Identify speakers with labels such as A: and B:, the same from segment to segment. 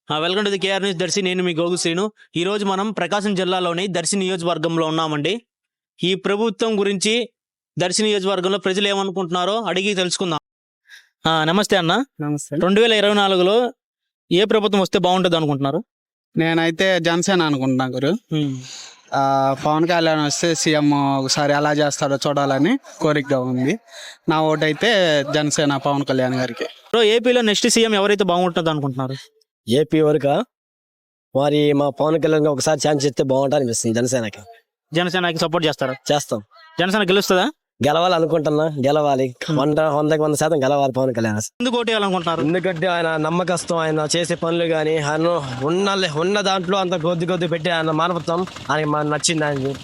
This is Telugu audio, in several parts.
A: Welcome to the KR news Darsi. నేను మీ గోగు శ్రీను. ఈ రోజు మనం ప్రకాశం జిల్లాలోని దర్శి నియోజకవర్గంలో ఉన్నామండి. ఈ ప్రభుత్వం గురించి దర్శి నియోజకవర్గంలో ప్రజలు ఏమనుకుంటున్నారో అడిగి తెలుసుకుందాం. నమస్తే అన్న.
B: నమస్తే.
A: 2024లో ఏ ప్రభుత్వం వస్తే బాగుంటుంది అనుకుంటున్నారు?
B: నేనైతే జనసేన అనుకుంటున్నా గురు. పవన్ కళ్యాణ్ వస్తే సీఎం ఒకసారి ఎలా చేస్తాడో చూడాలని కోరికగా ఉంది. నా ఓటు అయితే జనసేన పవన్ కళ్యాణ్ గారికి.
A: ఏపీలో నెక్స్ట్ సీఎం ఎవరైతే బాగుంటుంది అనుకుంటున్నారు?
C: ఏపీ వరకు మరి మా పవన్ కళ్యాణ్ ఒకసారి ఛాన్స్ ఇస్తే బాగుంటుంది అనిపిస్తుంది.
A: జనసేనకి సపోర్ట్ చేస్తారా?
C: చేస్తాం.
A: జనసేన గెలుస్తుందా?
C: గెలవాలి అనుకుంటున్నా. గెలవాలి 100% గెలవాలి పవన్ కళ్యాణ్.
A: ఎందుకు ఓటు వేయాలనుకుంటున్నారు?
C: ఎందుకంటే ఆయన నమ్మకస్తం, ఆయన చేసే పనులు కానీ ఆయన ఉన్న దాంట్లో అంత కొద్ది పెట్టి ఆయన మానవత్వం ఆయనకి నచ్చింది.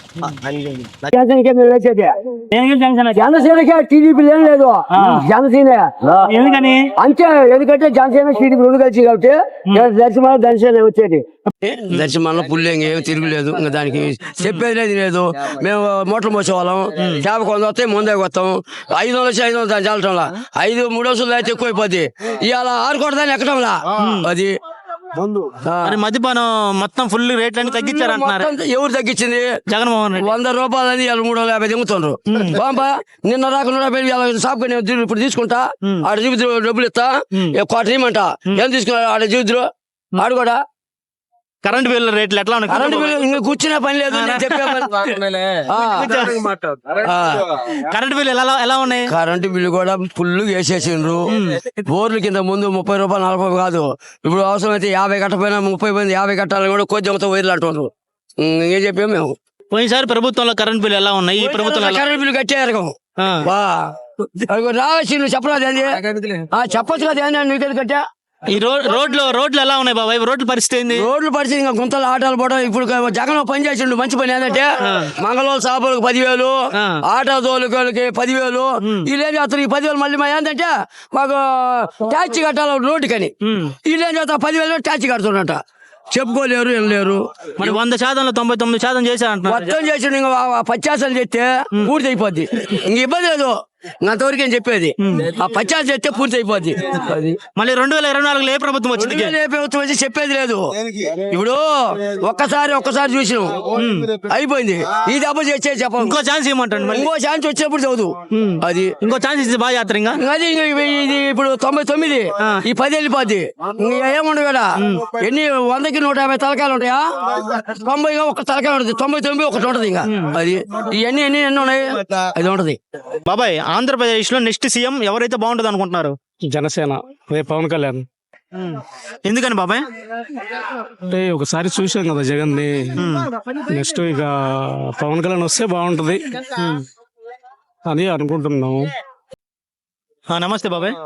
D: జనసేనకి టీడీపీ ఏం లేదు, జనసేన. ఎందుకని అంతే, ఎందుకంటే జనసేన టీడీపీ రెండు కలిసి కాబట్టి దర్శనం జనసేన వచ్చేది.
E: దర్శనంలో పుల్లు ఏం తిరుగులేదు, ఇంకా దానికి చెప్పేది లేదు. మేము మోటార్లు మోసేవాళ్ళం, చేప కొంత వస్తే ముందే వస్తాం. 500 వచ్చి 500 దాన్ని చల్లటంలా 3 రోజులు అయితే ఎక్కువైపోద్ది. ఇవాళ 6 కోట్ల దాన్ని ఎక్కడంలా అది.
A: మద్యపానం మొత్తం ఫుల్ రేట్లన్నీ తగ్గించారంటున్నారు.
E: ఎవరు తగ్గించింది?
A: జగన్మోహన్ రెడ్డి.
E: 100 రూపాయలని 350 దింగుతుండ్రు. బాబా నిన్న రాకుండా షాప్ ఇప్పుడు తీసుకుంటా, ఆడ చూపిద్రు డబ్బులు ఇస్తా, కోట ఇమ్మంట. ఏం తీసుకున్నారు ఆడ చూపిద్రు. ఆడు కూడా
A: కరెంట్ బిల్లు రేట్లు ఎట్లా ఉన్నాయి?
E: కరెంట్ బిల్లు ఇంకా కూర్చునే పని లేదు.
A: కరెంట్ బిల్లు ఎలా ఉన్నాయి?
E: కరెంటు బిల్లు కూడా ఫుల్ వేసేసిండ్రు. బోర్లు కింద ముందు 30 రూపాయలు 40 కాదు, ఇప్పుడు అవసరం అయితే 50 కట్టపోయినా 30 మంది 50 కట్టాలని కూడా కొద్దిగా వైర్లు అంటున్నారు. ఏం చెప్పాము మేము.
A: పోయినసారి ప్రభుత్వంలో కరెంట్ బిల్లు ఎలా ఉన్నాయి? ఈ ప్రభుత్వంలో
E: కరెంట్ బిల్లు కట్టారు రావాల్సింది. చెప్పలేదు చెప్పచ్చు కదా, నీకు కట్టా.
A: ఈ రోడ్లు ఎలా ఉన్నాయి బాబాయ్? రోడ్ల పరిస్థితి ఏంది?
E: రోడ్లు పరిస్థితి ఇంకా గుంతలు ఆటోలు పోవడం. ఇప్పుడు జగన్ పని చేసిండు, మంచి పని ఏంటంటే మంగళవారం షాపులకు 10,000, ఆటో తోలుకోలకి 10,000. వీళ్ళేం చేస్తారు? ఈ 10,000 మళ్ళీ మా ఏంటంటే మాకు ట్యాక్సీ కట్టాలి రోడ్డుకని. వీళ్ళేం చేస్తారు? 10,000 ట్యాక్సీ కడుతున్నట. చెప్పుకోలేరు, ఏం లేరు.
A: మరి 100%లో 99% చేశారంట.
E: మొత్తం చేసిండు. ఇంకా 50% చేస్తే పూర్తి అయిపోద్ది. ఇంక ఇబ్బంది లేదు. అంతవరకు ఏం చెప్పేది, ఆ 50% చేస్తే పూర్తి అయిపోద్ది.
A: మళ్ళీ 2024లో ఏ ప్రభుత్వం వచ్చింది?
E: ఏ ప్రభుత్వం వచ్చి చెప్పేది లేదు. ఇప్పుడు ఒక్కసారి చూసినాం, అయిపోయింది. ఈ దెబ్బ చేసే చెప్పాలి.
A: ఇంకో ఛాన్స్ ఇవ్వమంటాను.
E: ఇంకో ఛాన్స్ వచ్చేప్పుడు చదువు. అది
A: ఇంకో ఛాన్స్ ఇస్తే బాగా చేస్తారు. ఇంకా
E: అది ఇది ఇప్పుడు 99, ఈ 10 వెళ్ళిపోద్ది. ఏముండవు కదా. ఎన్ని 100కి 150 తలకాయలు ఉంటాయా? 90 ఒక తలకాయ ఉంటుంది, 99 ఒకటి ఉంటది. ఇంకా అది ఇవన్నీ ఎన్ని ఉన్నాయి, అది ఉంటది.
A: బాబాయ్, ఆంధ్రప్రదేశ్ లో నెక్స్ట్ సీఎం ఎవరైతే బాగుంటుంది అనుకుంటున్నారు?
B: జనసేన పవన్ కళ్యాణ్.
A: ఎందుకని బాబాయ్?
B: అంటే ఒకసారి చూసాం కదా జగన్ ని, నెక్స్ట్ ఇక పవన్ కళ్యాణ్ వస్తే బాగుంటది అని అనుకుంటున్నాము.
A: నమస్తే బాబాయ్.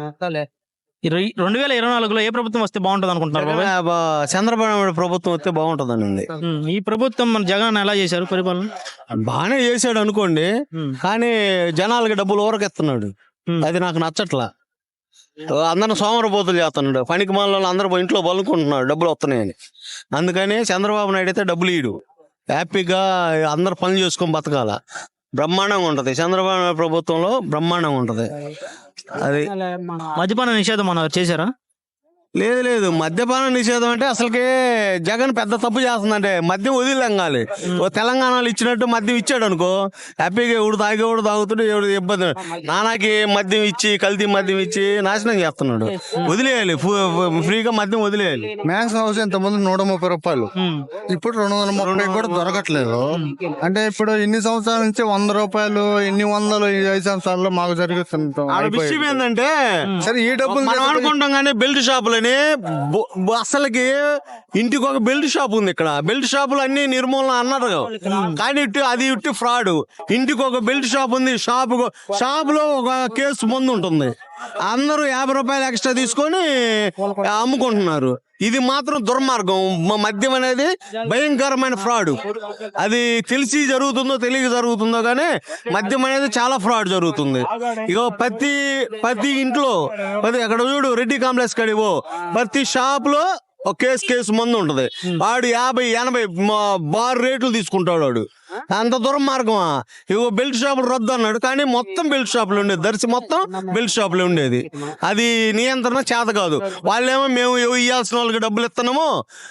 A: 2024లో ఏ ప్రభుత్వం వస్తే బాగుంటుంది అనుకుంటున్నారు బాబాయ్?
F: చంద్రబాబు నాయుడు ప్రభుత్వం వస్తే బాగుంటదండి.
A: ఈ ప్రభుత్వం మన జగన్ ఎలా చేశారు పరిపాలన?
F: బాగానే చేశాడు అనుకోండి, కానీ జనాలకి డబ్బులు ఊరకెత్తున్నాడు. అది నాకు నచ్చట్లా. అందరిని సోమరపోతులు చేస్తున్నాడు. పనికి మాలలో అందరూ ఇంట్లో పలుకుంటున్నాడు డబ్బులు వస్తున్నాయని. అందుకని చంద్రబాబు నాయుడు అయితే డబ్బులు ఇయ్యడు. హ్యాపీగా అందరు పనులు చేసుకొని బతకాల. బ్రహ్మాండంగా ఉంటది చంద్రబాబు నాయుడు ప్రభుత్వంలో, బ్రహ్మాండంగా ఉంటది. అది
A: మద్యపాన నిషేధం మనం చేశారా?
F: లేదు, మద్యపాన నిషేధం అంటే అసలుకే జగన్ పెద్ద తప్పు చేస్తుందంటే మద్యం వదిలేంగాలి. ఓ తెలంగాణలో ఇచ్చినట్టు మద్యం ఇచ్చాడు అనుకో, హ్యాపీగా ఎవడు తాగుతాడు, ఎవడు ఇబ్బంది. నానాకి మద్యం ఇచ్చి, కల్తీ మద్యం ఇచ్చి నాశనం చేస్తున్నాడు. వదిలేయాలి, ఫ్రీగా మద్యం వదిలేయాలి.
G: మ్యాక్స్ హౌస్ ఇంతకుముందు 130 రూపాయలు, ఇప్పుడు 230 కూడా దొరకట్లేదు. అంటే ఇప్పుడు ఇన్ని సంవత్సరాల నుంచి 100 రూపాయలు, ఎన్ని వందలు 5 సంవత్సరాల్లో మాకు జరుగుతుంది.
F: విషయం ఏంటంటే
G: సరే ఈ డబ్బులు
F: మనం అనుకుంటాం కానీ బెల్ట్ షాపులు అసలుకి ఇంటికి ఒక బెల్ట్ షాప్ ఉంది. ఇక్కడ బెల్ట్ షాపులు అన్ని నిర్మూలన అన్నారు, కానీ అది ఫ్రాడ్. ఇంటికి ఒక బెల్ట్ షాప్ ఉంది. షాపులో ఒక కేసు మందు ఉంటుంది. అందరూ 50 రూపాయలు ఎక్స్ట్రా తీసుకొని అమ్ముకుంటున్నారు. ఇది మాత్రం దుర్మార్గం. మద్యం అనేది భయంకరమైన ఫ్రాడ్. అది తెలిసి జరుగుతుందో తెలియక జరుగుతుందో కానీ మద్యం అనేది చాలా ఫ్రాడ్ జరుగుతుంది. ఇగో ప్రతి ఇంట్లో అక్కడ చూడు, రెడ్డి కాంప్లెక్స్ కడివో ప్రతి షాప్ లో ఒక కేసు మందు ఉంటది. వాడు 50-80 బార్ రేట్లు తీసుకుంటాడు వాడు. అంత దూరం మార్గమా? ఇగో బెల్ట్ షాపులు రద్దు అన్నాడు, కానీ మొత్తం బెల్ట్ షాపులు ఉండేది. దర్శి మొత్తం బెల్ట్ షాపులు ఉండేది. అది నియంత్రణ చేత కాదు. వాళ్ళేమో మేము ఇవ్వాల్సిన వాళ్ళకి డబ్బులు ఇస్తున్నాము,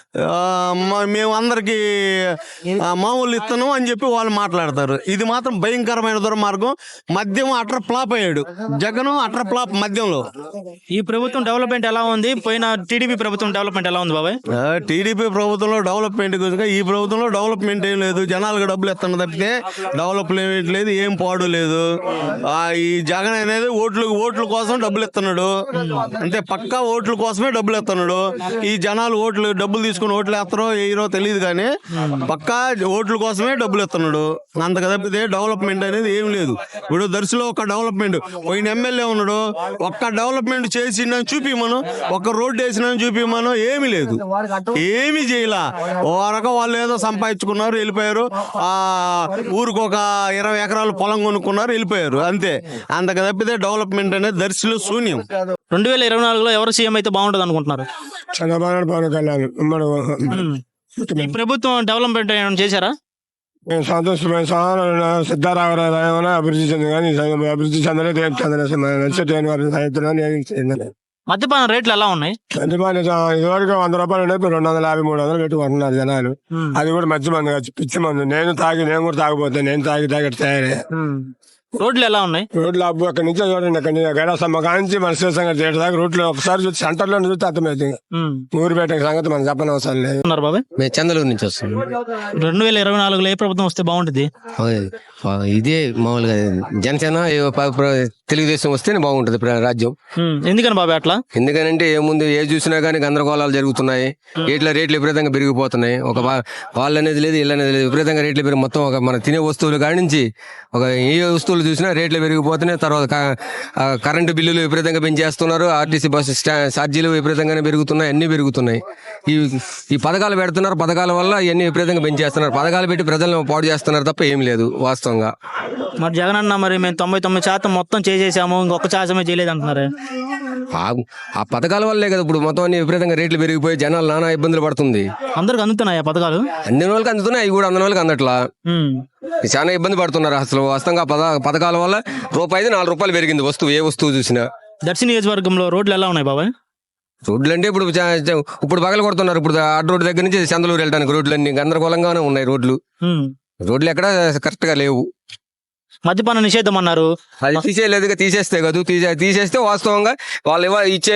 F: మేము అందరికి మామూలు ఇస్తున్నాము అని చెప్పి వాళ్ళు మాట్లాడతారు. ఇది మాత్రం భయంకరమైన దుర్మార్గం. మద్యం అట్ర ఫ్లాప్ అయ్యాడు జగన్, అట్ర ఫ్లాప్ మద్యంలో.
A: ఈ ప్రభుత్వం డెవలప్మెంట్ ఎలా ఉంది? పోయిన టీడీపీ ప్రభుత్వం డెవలప్మెంట్ ఎలా ఉంది బాబాయ్?
F: టీడీపీ ప్రభుత్వంలో డెవలప్మెంట్ గురించి, ఈ ప్రభుత్వంలో డెవలప్మెంట్ ఏం లేదు. జనాలకు డబ్బులు ఇస్తున్న తప్పితే డెవలప్మెంట్ లేదు, ఏం పాడు లేదు. ఈ జగన్ అనేది ఓట్ల కోసం డబ్బులు ఇస్తున్నాడు అంటే, పక్కా ఓట్ల కోసమే డబ్బులు ఇస్తున్నాడు. ఈ జనాలు డబ్బులు తీసుకుని ఓట్లు వేస్తారో వేయరో తెలియదు, కానీ పక్కా ఓట్ల కోసమే డబ్బులు ఇస్తున్నాడు. అంతకు తప్పితే డెవలప్మెంట్ అనేది ఏం లేదు. ఇప్పుడు దర్శిలో ఒక డెవలప్మెంట్, పోయిన ఎమ్మెల్యే ఉన్నాడు, ఒక్క డెవలప్మెంట్ చేసిందని చూపిమను, ఒక్క రోడ్డు వేసినని చూపిమను, ఏమీ లేదు, ఏమీ చేయలా. ఓ రకం వాళ్ళు ఏదో సంపాదించుకున్నారు, వెళ్ళిపోయారు. ఊరికి ఒక 20 ఎకరాలు పొలం కొనుక్కున్నారు, వెళ్ళిపోయారు, అంతే. అంతకు తప్పితే డెవలప్మెంట్ అనేది దర్శిలో శూన్యం.
A: 2024లో ఎవరు సీఎం అయితే బాగుంటుంది అనుకుంటున్నారు?
H: చంద్రబాబు పవన్ కళ్యాణ్
A: ఈ ప్రభుత్వం డెవలప్మెంట్ ఏమైనా చేశారా?
H: మేము సంతోషమైన సిద్ధారామరావు అభివృద్ధి చెంది, కానీ అభివృద్ధి చెందలేదు, ఏం చెందలేదు. నచ్చేది
A: మద్యపాన రేట్లు ఎలా ఉన్నాయి?
H: ఇదివరకు 100 రూపాయలు ఉన్నాయి, ఇప్పుడు 250, 300 పెట్టుకుంటున్నారు జనాలు. అది కూడా మంచి మంది కాదు, పిచ్చి మంది. నేను కూడా తాగిపోతే, నేను తాగి తయారే.
A: రోడ్లు ఎలా ఉన్నాయి?
H: రోడ్లు అబ్బు అక్కడి నుంచి చూడండి, అక్కడి నుంచి గైడాసమ్మ కాంచి మన శ్రీశంకర్ థియేటర్ దాకా రోడ్లు ఒకసారి చూసి సెంటర్ లో చూస్తే అర్థమవుతుంది. ఊరిపేట సంగతి మనం చెప్పనవసరం లేదు.
A: బాబాయ్
C: మేము చంద్రలూరు నుంచి వస్తాం.
A: 2024లో ఏ ప్రభుత్వం వస్తే బాగుంటుంది?
C: ఇదే మామూలుగా జనసేన తెలుగుదేశం వస్తేనే బాగుంటది రాజ్యం.
A: ఎందుకని బాబాయ్ అట్లా?
C: ఎందుకనంటే ఏముంది, ఏ చూసినా కానీ గందరగోళాలు జరుగుతున్నాయి. రేట్లు విపరీతంగా పెరిగిపోతున్నాయి. ఒక వాళ్ళు అనేది లేదు, ఇల్లు అనేది లేదు, విపరీతంగా రేట్లు పెరిగి మొత్తం ఒక మన తినే వస్తువులు కాడి నుంచి ఒక ఏ వస్తువులు చూసినా రేట్లు పెరిగిపోతున్నాయి. తర్వాత కరెంటు బిల్లులు విపరీతంగా పెంచేస్తున్నారు. ఆర్టీసీ బస్సు ఛార్జీలు విపరీతంగానే పెరుగుతున్నాయి, అన్ని పెరుగుతున్నాయి. ఈ పథకాలు పెడుతున్నారు, పథకాల వల్ల ఇవన్నీ విపరీతంగా పెంచేస్తున్నారు. పథకాలు పెట్టి ప్రజలను పాడు చేస్తున్నారు తప్ప ఏం లేదు వాస్తవంగా.
A: మరి జగన్ అన్న మరి మేము 99% మొత్తం చేసేసాము, ఇంకొక శాతమే చేయలేదు అంటున్నారు.
C: ఆ పథకాల వల్లే కదా ఇప్పుడు మొత్తం అన్ని విపరీతంగా రేట్లు పెరిగిపోయి జనాలు నానా ఇబ్బందులు పడుతుంది.
A: అందరికి అందుతున్నాయి పథకాలు?
C: అందిన వాళ్ళకి అందుతున్నాయి, అవి కూడా అందిన వాళ్ళకి అందట్లా. చాలా ఇబ్బంది పడుతున్నారు అసలు వాస్తవంగా. పథకాల వల్ల రూపాయి 4 రూపాయలు పెరిగింది వస్తువు, ఏ వస్తువు చూసినా.
A: దర్శి నియోజకవర్గంలో రోడ్లు ఎలా ఉన్నాయి బాబాయ్?
C: రోడ్లు అంటే ఇప్పుడు పగలు కొడుతున్నారు. ఇప్పుడు అడ్డు రోడ్డు దగ్గర నుంచి చంద్రలూరు వెళ్ళడానికి రోడ్లు అన్ని గందరగోళంగానే ఉన్నాయి. రోడ్లు ఎక్కడ కరెక్ట్ గా లేవు.
A: మద్యపాన నిషేధం అన్నారు,
C: అది తీసేయలేదుగా. తీసేస్తే కదా, తీసేస్తే వాస్తవంగా వాళ్ళు ఇచ్చే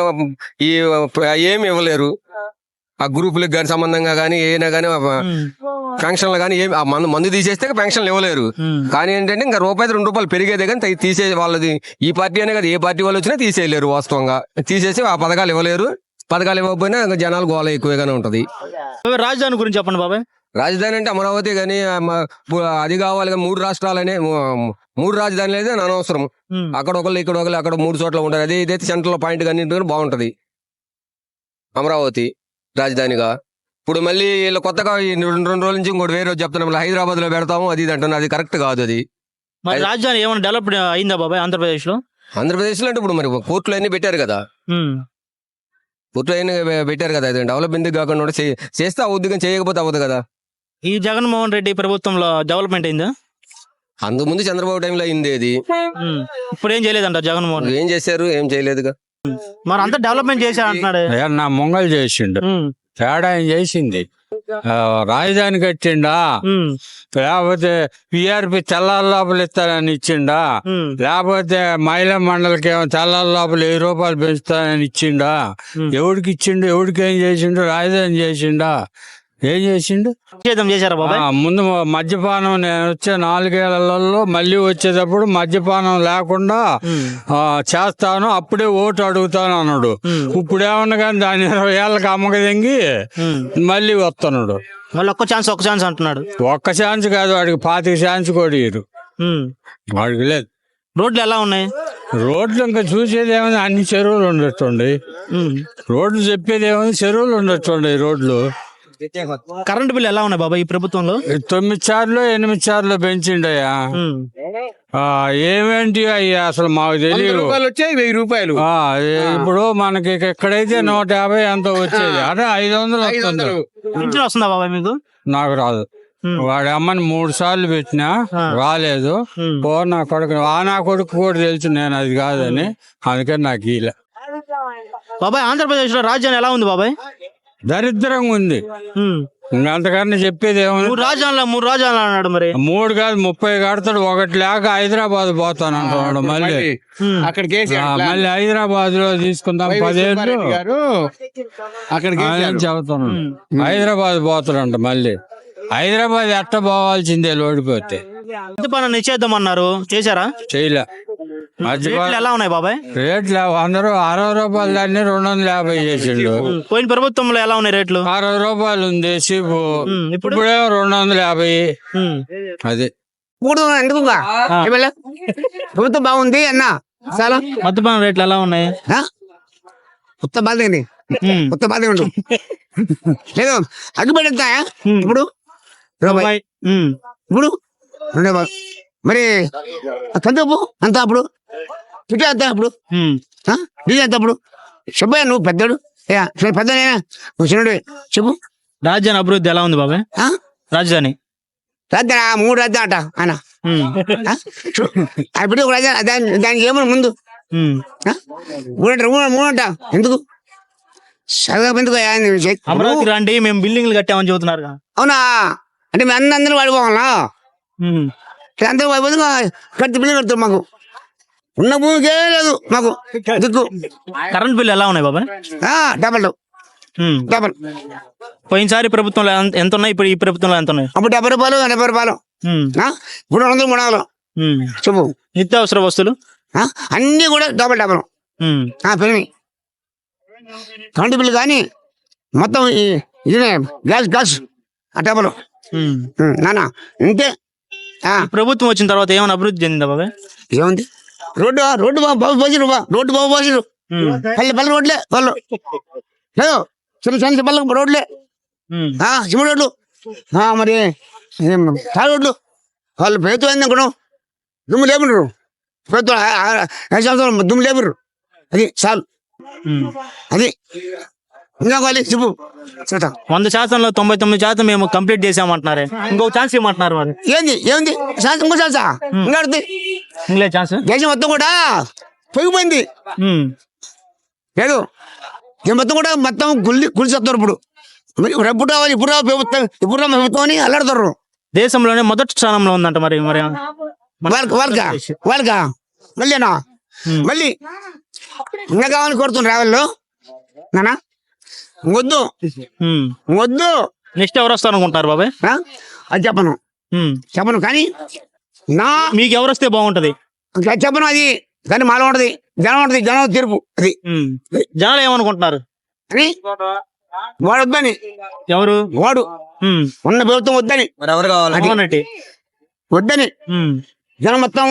C: ఏమి ఇవ్వలేరు. ఆ గ్రూపులకు కానీ సంబంధంగా కానీ ఏమైనా కానీ పెన్షన్లు కానీ ఏమి మందు తీసేస్తే పెన్షన్లు ఇవ్వలేరు. కానీ ఏంటంటే ఇంకా రూపాయి 2 రూపాయలు పెరిగేదే కానీ తీసే వాళ్ళది ఈ పార్టీ అనే కదా, ఏ పార్టీ వాళ్ళు వచ్చినా తీసేయలేరు. వాస్తవంగా తీసేసి ఆ పథకాలు ఇవ్వలేరు. పథకాలు ఇవ్వకపోయినా జనాలు గోళ ఎక్కువగానే ఉంటది.
A: రాజధాని గురించి చెప్పండి బాబాయ్.
C: రాజధాని అంటే అమరావతి కానీ అది కావాలి కానీ 3 రాష్ట్రాలనే 3 రాజధానులు అయితే అనవసరం. అక్కడ ఒకళ్ళు ఇక్కడ ఒకళ్ళు అక్కడ 3 చోట్ల ఉంటారు. అదే ఇదైతే సెంట్రల్ పాయింట్ కానీ బాగుంటది అమరావతి రాజధానిగా. ఇప్పుడు మళ్ళీ వీళ్ళు కొత్తగా 2 రోజుల నుంచి ఇంకోటి వేరే చెప్తున్నాం, హైదరాబాద్ లో పెడతాము అది ఇది అంటున్నారు. అది కరెక్ట్ కాదు. అది
A: మరి రాజధాని ఏమైనా డెవలప్ అయిందా బాబాయ్ ఆంధ్రప్రదేశ్ లో?
C: ఆంధ్రప్రదేశ్ లో అంటే ఇప్పుడు మరి కోర్టులు అన్ని పెట్టారు కదా, కోర్టులు అన్ని పెట్టారు కదా. అది డెవలప్మెంట్ కాకుండా చేస్తే అవుద్ది, కానీ చేయకపోతే అవ్వదు కదా.
A: ఈ జగన్మోహన్ రెడ్డి ప్రభుత్వంలో డెవలప్మెంట్ అయిందా?
C: అంతకుముందు చంద్రబాబు టైంలో అయింది. అది
A: ఇప్పుడు ఏం చేయలేదంట జగన్మోహన్.
C: ఏం చేశారు? ఏం చేయలేదుగా.
A: మరి అంతా డెవలప్మెంట్ చేశారు అంటున్నాడు.
I: నా మొంగలు చేసిండు, తేడా ఏం చేసింది? రాజధాని కట్టిండా, లేకపోతే పిఆర్పి తెల్లాల లోపల ఇస్తానని ఇచ్చిండా, లేకపోతే మహిళా మండలికి ఏమో తెల్లాల లోపల 1000 రూపాయలు పెంచుతానని ఇచ్చిండా? ఎవడికి ఇచ్చిండు? ఎవడికి ఏం చేసిండు? రాజధాని చేసిండా? ఏం చేసిండు?
A: చేశారా బాబాయ్?
I: ముందు మద్యపానం నేను వచ్చే 4 ఏళ్లలో మళ్ళీ వచ్చేటప్పుడు మద్యపానం లేకుండా చేస్తాను, అప్పుడే ఓటు అడుగుతాను అన్నాడు. ఇప్పుడు ఏమన్నా కానీ దాని 20 ఏళ్ళకి అమ్మక తెంగి మళ్ళీ వస్తున్నాడు.
A: మళ్ళీ ఒక్క ఛాన్స్ అంటున్నాడు.
I: ఒక్క ఛాన్స్ కాదు, వాడికి 25 ఛాన్స్ కూడా ఇయ్యరు. వాడికి లేదు.
A: రోడ్లు ఎలా ఉన్నాయి?
I: రోడ్లు ఇంకా చూసేది ఏమైనా అన్ని చెరువులు ఉండొచ్చండి. రోడ్లు చెప్పేది ఏమైనా చెరువులు ఉండొచ్చండి. రోడ్లు
A: కరెంట్ బిల్ ఎలా ఉన్నాయి బాబా ఈ ప్రభుత్వంలో?
I: 9 సార్లు 8 సార్లు పెంచిండయ్యా. ఏమేంటి అయ్యా అసలు మాకు తెలియదు.
B: 1000 రూపాయలు
I: ఇప్పుడు మనకి ఎక్కడైతే 150 ఎంతో వచ్చేది, అదే 500
A: పింఛన్ వస్తుందా బాబా మీకు?
I: నాకు రాదు. వాడి అమ్మని 3 సార్లు పెట్టినా రాలేదు. నా కొడుకు కూడా తెలుసు నేను అది కాదని, అందుకని నాకు ఇలా
A: బాబాయ్ ఆంధ్రప్రదేశ్ లో రాజధాని ఎలా ఉంది బాబాయ్?
I: దరిద్రంగా ఉంది. అంతకన్నా చెప్పేది ఏమన్నా?
A: 3 రాజధానులు అన్నాడు మరి.
I: 3 కాదు 30 కడతాడు. ఒకటి లేక హైదరాబాద్ పోతానంటున్నాడు. మళ్ళీ
B: అక్కడికి
I: మళ్ళీ హైదరాబాద్ లో తీసుకుందాం 10 ఏళ్ళు
B: అక్కడికి
I: అని చెబుతున్నాడు. హైదరాబాద్ పోతాడంట. మళ్ళీ హైదరాబాద్ ఎట్ట పోవాల్సిందే ఓడిపోతే.
A: మద్యపానం నిషేధం అన్నారు, చేశారా?
I: చేయలే.
A: రేట్లు ఎలా ఉన్నాయి బాబాయ్?
I: రేట్లు అందరూ 60 రూపాయలు దాన్ని 250 చేసిండు.
A: పోయిన ప్రభుత్వంలో ఎలా ఉన్నాయి రేట్లు?
I: 60 రూపాయలు ఉంది సీపు, ఇప్పుడేమో 250. అది
D: ప్రభుత్వం బాగుంది అన్న. చాలా
A: మద్యపానం రేట్లు ఎలా ఉన్నాయి?
D: కొత్త బాధ కొత్త బాధ ఉండు లేదు. అగ్గిపెట్టి ఎంత ఇప్పుడు?
A: రూపాయి.
D: ఇప్పుడు మరి కందిపప్పు అంత అప్పుడు చుట్టూ ఎంత అప్పుడు డీజిల్ ఎంత అప్పుడు? చెప్పయ్యా, నువ్వు పెద్దడు పెద్దనేనా, నువ్వు చిన్నడు చెప్పు.
A: రాజధాని అభివృద్ధి ఎలా ఉంది బాబాయ్? రాజధాని
D: రాజధాని 3 రాజధాని అంట ఆయన. ఇప్పుడు ఒక రాజధాని దానికి ఏమన్నా ముందు 3 అంట. ఎందుకు చదువు ఎందుకు?
A: అమరావతి రండి, మేము బిల్డింగ్లు కట్టామని చెబుతున్నారు.
D: అవునా? అంటే మేము అందరూ వాడిపోవాలా? అందరూ వాడిపోతే కట్టి బిల్లు కడతారు. మాకు ఉన్న భూమికే లేదు మాకు దిక్కు.
A: కరెంట్ బిల్లు ఎలా ఉన్నాయి బాబాయ్?
D: డబల్
A: పోయినసారి ప్రభుత్వంలో ఎంత ఉన్నాయి, ఇప్పుడు ఈ ప్రభుత్వంలో ఎంత ఉన్నాయి?
D: అప్పుడు 70 రూపాయలు 80 రూపాయలు, ఇప్పుడు 200 300. చెప్పు.
A: నిత్యావసర వస్తువులు
D: అన్ని కూడా డబల్ పెరిగి కరెంటు బిల్లు కానీ మొత్తం ఇదే గ్యాస్ ఆ డబల్ నానా ఇంతే.
A: ప్రభుత్వం వచ్చిన తర్వాత ఏమైనా అభివృద్ధి చెందిందా బాబాయ్?
D: ఏముంది? రోడ్డు బాబు పోసిరు, రోడ్డు బాబు పోసిరు. పల్లె రోడ్లే వాళ్ళు లేదు, చిన్న పల్లె రోడ్లే, సిమెంట్ రోడ్లు, మరి తాడు రోడ్లు. వాళ్ళు ప్రభుత్వం ఏంది అనుకున్నాం, దుమ్ము లేపురు. ప్రభుత్వం 5 సంవత్సరాలు దుమ్ము లేపురు. అది చాలు. అది ఇంకా కావాలి చెప్పు.
A: 100%లో 99% మేము కంప్లీట్ చేసామంటున్నారే, ఇంకొక ఛాన్స్ ఇవ్వమంటున్నారు. మరి
D: ఏంది ఛాన్స్? ఇంకో ఛాన్సా? ఇంకా
A: ఇంకలే ఛాన్స్.
D: దేశం మొత్తం కూడా పొగిపోయింది లేదు. మొత్తం కూడా మొత్తం గుడిచేస్తారు. ఇప్పుడు ఎప్పుడు రావాలి, ఇప్పుడు రావు ప్రభుత్వం, ఇప్పుడు రా ప్రభుత్వం అని అల్లాడుతారు.
A: దేశంలోనే మొదటి స్థానంలో ఉందంట. మరి
D: వాళ్ళకా మళ్ళీనా మళ్ళీ ఇంకా కావాలని కోరుతున్నారు రావాళ్ళు. నానా వద్దు
A: నెక్స్ట్ ఎవరు వస్తారు అనుకుంటారు బాబాయ్?
D: అది చెప్పను కానీ
A: మీకు ఎవరు వస్తే బాగుంటది
D: చెప్పను. అది కానీ మాలో ఉంటది, జనం తీర్పు. అది
A: జనాలు ఏమనుకుంటున్నారు
D: అని వాడు వద్దని.
A: ఎవరు
D: వాడు? ఉన్న ప్రభుత్వం వద్దని.
C: మరి ఎవరు కావాలి?
D: వద్దని జనం మొత్తం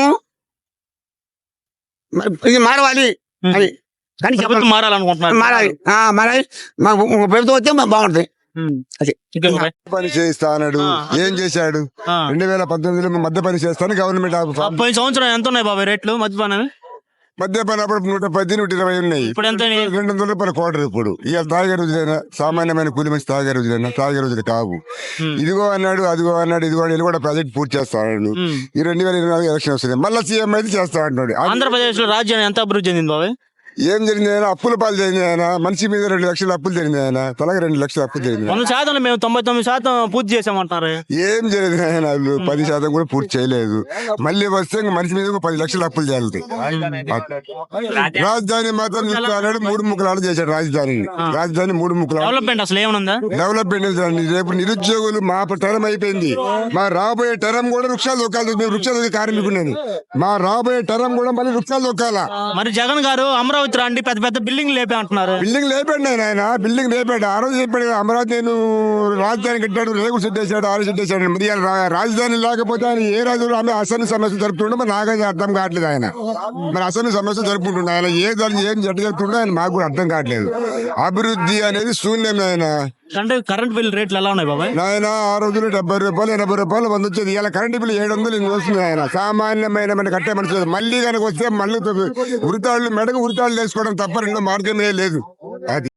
D: ఇది మారవాలి అది. కానీ
A: ప్రభుత్వం మారాలనుకుంటున్నారు.
D: మారాలి మా ప్రభుత్వం వస్తే బాగుంటది. అది
H: పని చేయిస్తా అన్నాడు. ఏం చేశాడు? 2019లో మద్య పని చేస్తాను గవర్నమెంట్.
A: పోయిన సంవత్సరం ఎంత ఉన్నాయి బాబాయ్ రేట్లు మద్యపానం?
H: మద్యపాన అప్పుడు 110, 120 ఉన్నాయి.
A: ఇప్పుడు ఎంత?
H: 200 రూపాయల కోటర్. ఇప్పుడు ఇక తాగే రోజులైనా, సామాన్యమైన కూలి మంచి తాగే రోజులైనా తాగే రోజులు కావు. ఇదిగో అన్నాడు, అదిగో అన్నాడు, ఇదిగో ఇది కూడా ప్రాజెక్ట్ పూర్తి చేస్తా అన్నాడు. ఈ 2024 ఎలక్షన్ వస్తుంది, మళ్ళీ సీఎం అయితే చేస్తా అంటున్నాడు.
A: ఆంధ్రప్రదేశ్ లో రాజ్యాన్ని ఎంత అభివృద్ధి చెందింది బాబాయ్?
H: ఏం జరిగింది ఆయన? అప్పుల పాలు జరిగింది ఆయన. మనిషి మీద 2 లక్షల అప్పులు జరిగింది ఆయన. తలగా 2 లక్షల అప్పులు జరిగింది.
A: 100% మేము 99% పూర్తి చేసామంటారు.
H: ఏం జరిగింది ఆయన? వాళ్ళు 10% కూడా పూర్తి చేయలేదు. మళ్ళీ వస్తే మనిషి మీద 10 లక్షల అప్పులు చేయాలి. రాజధాని మాత్రం చూస్తాడు, 3 ముక్కలాట చేశాడు రాజధానిని. 3 ముక్కలాట.
A: డెవలప్మెంట్ అసలు ఏమన్నా?
H: డెవలప్మెంట్ రేపు నిరుద్యోగులు మా టర్మ్ అయిపోయింది. మా రాబోయే టర్మ్ కూడా వృక్షాలు దొక్కాలి. మేము వృక్షాలు కార్మికున్నాను. మా రాబోయే టర్మ్ కూడా మళ్ళీ వృక్షాలు దొక్కాలా.
A: మరి జగన్ గారు అమరావతి రండి పెద్ద పెద్ద బిల్డింగ్ లేపే అంటున్నారు.
H: బిల్డింగ్ లేపాడు ఆయన. బిల్డింగ్ లేపాడు. ఆ రోజు చెప్పాడు అమరావతి నేను రాజధాని కట్టాడు, రేగు సెట్ వేసాడు, ఆరు సెట్ వేసాడు. మరి రాజధాని లేకపోతే ఆయన ఏ రాజు అసెంబ్లీ సమస్య జరుపుతుండో మరి నాకైతే అర్థం కావట్లేదు. ఆయన మరి అసెంబ్లీ సమస్య జరుపుకుంటుండే ఆయన ఏ దాని ఏం జట్టు జరుపుతుండో ఆయన మాకు కూడా అర్థం కావట్లేదు. అభివృద్ధి అనేది శూన్యం ఆయన.
A: అంటే కరెంట్ బిల్ రేట్లు ఎలా ఉన్నాయి బాబాయ్?
H: ఆయన ఆ రోజులు 70 రూపాయలు 80 రూపాయలు మంది వచ్చేది. ఇలా కరెంట్ బిల్ 700 వస్తుంది. ఆయన సామాన్యమైన కట్టే మనిషి. మళ్ళీ కనుక వస్తే మళ్ళీ వృతాళ్ళు మెడకు వృతాళ్ళు వేసుకోవడం తప్ప రెండో మార్గమే లేదు. అది